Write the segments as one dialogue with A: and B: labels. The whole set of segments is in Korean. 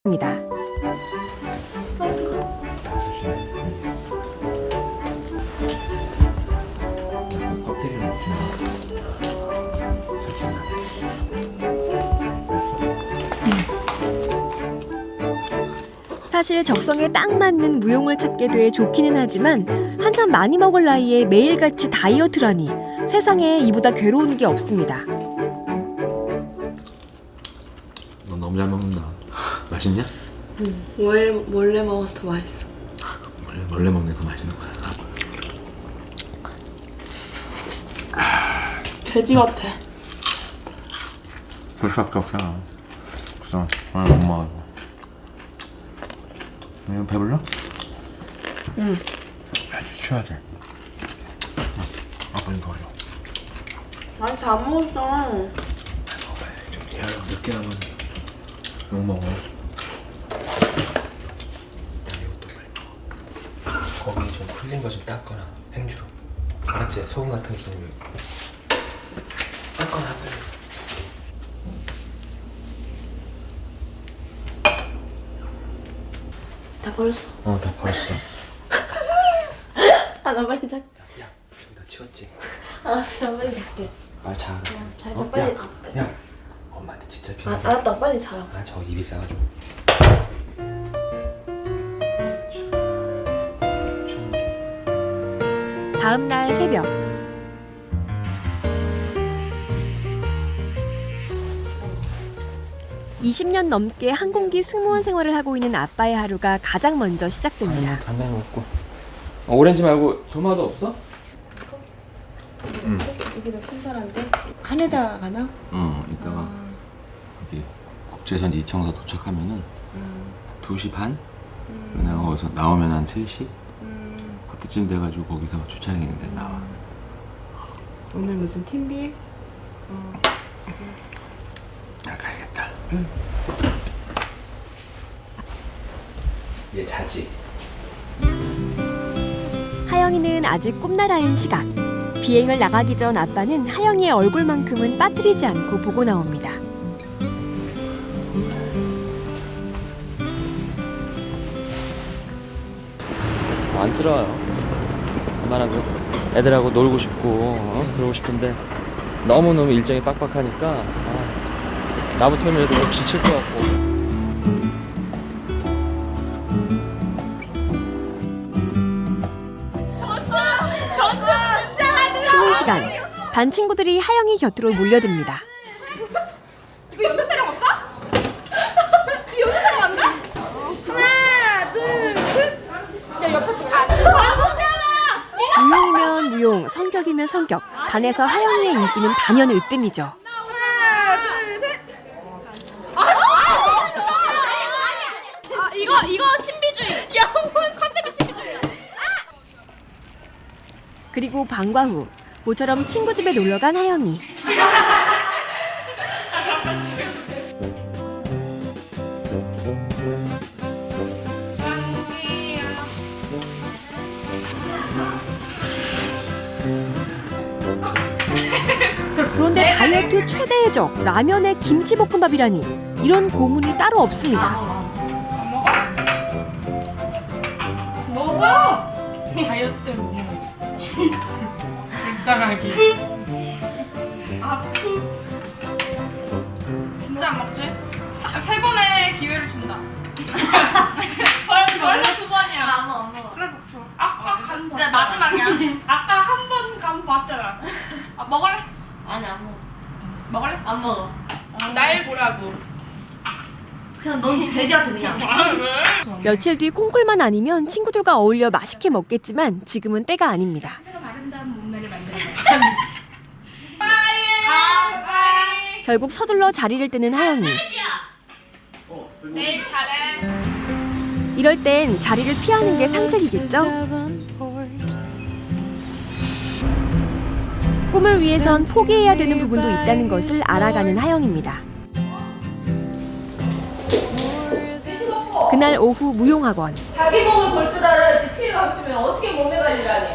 A: 입니다. 사실 적성에 딱 맞는 무용을 찾게 돼 좋기는 하지만 한참 많이 먹을 나이에 매일같이 다이어트라니 세상에 이보다 괴로운 게 없습니다.
B: 너 너무 잘 먹는다. 맛있냐?
C: 응. 몰래 먹어서 더 맛있어.
B: 몰래 먹는 게 더 맛있는 거야.
C: 돼지 같아.
B: 그럴 수밖에 없잖아. 그래서 오늘 못 먹어. 이거 배불러?
C: 응.
B: 아주 쉬어야 돼. 아빠 좀 도와줘.
C: 아니 다 먹었어.
B: 먹어야 좀 재활용 늦게 하면 못 먹어. 이것도 먹어. 거기 좀 풀린 거 좀 닦거나 행주로. 알았지? 소금 같은 거 있으면 닦거나 빨리.
C: 다 버렸어.
B: 다 버렸어.
C: 아, 나 빨리 잘게.
B: 야, 너 치웠지?
C: 알았어, 빨리 잘게.
B: 말 잘.
C: 잘 빨리.
B: 야, 엄마한테 진짜 필요.
C: 알았다, 빨리 자라.
B: 저 입이 싸가지고.
A: 다음 날 새벽. (20년) 넘게 항공기 승무원 생활을 하고 있는 아빠의 하루가 가장 먼저 시작됩니다.
B: 담배 먹고. 오렌지 말고 도마도 없어? 응.
C: 이게 더 신선한데? 한에다 가나?
B: 이따가 여기 국제선 이청사 도착하면은 2시 반? 내가 거기서 나오면 한 3시? 그때쯤 돼가지고 거기서 주차장인데 나와.
C: 오늘 무슨 팀비?
B: 나 가야겠다. 얘 자지?
A: 하영이는 아직 꿈나라인 시각. 비행을 나가기 전 아빠는 하영이의 얼굴만큼은 빠뜨리지 않고 보고 나옵니다.
D: 안쓰러워요. 웬만하면 애들하고 놀고 싶고 그러고 싶은데 너무너무 일정이 빡빡하니까 나부터는 애들 좀 지칠 것 같고.
A: 수능 시간. 반 친구들이 하영이 곁으로 몰려듭니다.
E: 이거 연습 촬영 없어? 이거 연습 촬영 안 돼? 하나, 둘, 셋. 야, 옆에 거. 아, 진짜 바보잖아.
A: 무용이면 무용, 성격이면 성격. 반에서 하영이의 인기는 단연 으뜸이죠.
E: 하나, 둘, 셋. 이거 신비주의. 야, 컨셉이 신비주의야.
A: 그리고 방과 후 모처럼 친구 집에 놀러간 하영이. 그런데 다이어트 최대의 적 라면에 김치볶음밥이라니 이런 고문이 따로 없습니다.
E: 먹어. 다이어트 때 먹어. 불쌍하게. 진짜 안 먹지? 세 번의 기회를 준다. 원래 두 번이야. 안 먹어. 그래 먹죠. 아까 간 봤잖아. 네, 마지막이야. 아까 한 번 간 봤잖아. 먹을래? 아니 안 먹어. 먹을래? 안 먹어. 날 보라고.
F: 그냥 넌 돼지 같아 그냥.
E: 왜?
A: 며칠 뒤 콩쿨만 아니면 친구들과 어울려 맛있게 먹겠지만 지금은 때가 아닙니다.
E: 아름다운 몸매를 만드는 거야. 빠이.
A: 결국 서둘러 자리를 뜨는 하영이.
E: 내일 잘해.
A: 이럴 땐 자리를 피하는 게 상책이겠죠? 꿈을 위해선 포기해야 되는 부분도 있다는 것을 알아가는 하영입니다. 그날 오후 무용학원.
F: 자기 몸을 볼 줄 알아야지. 티가 붙으면 어떻게 몸매 관리를 하니?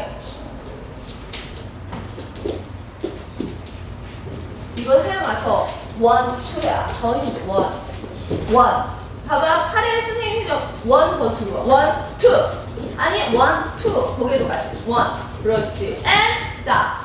F: 이거 해봐 더. 원, 투야. 더니 원. 원. 봐봐, 팔에 선생님이 원 더 투. 원, 투. 아니, 원, 투. 거기도 같이. 원. 그렇지. and stop.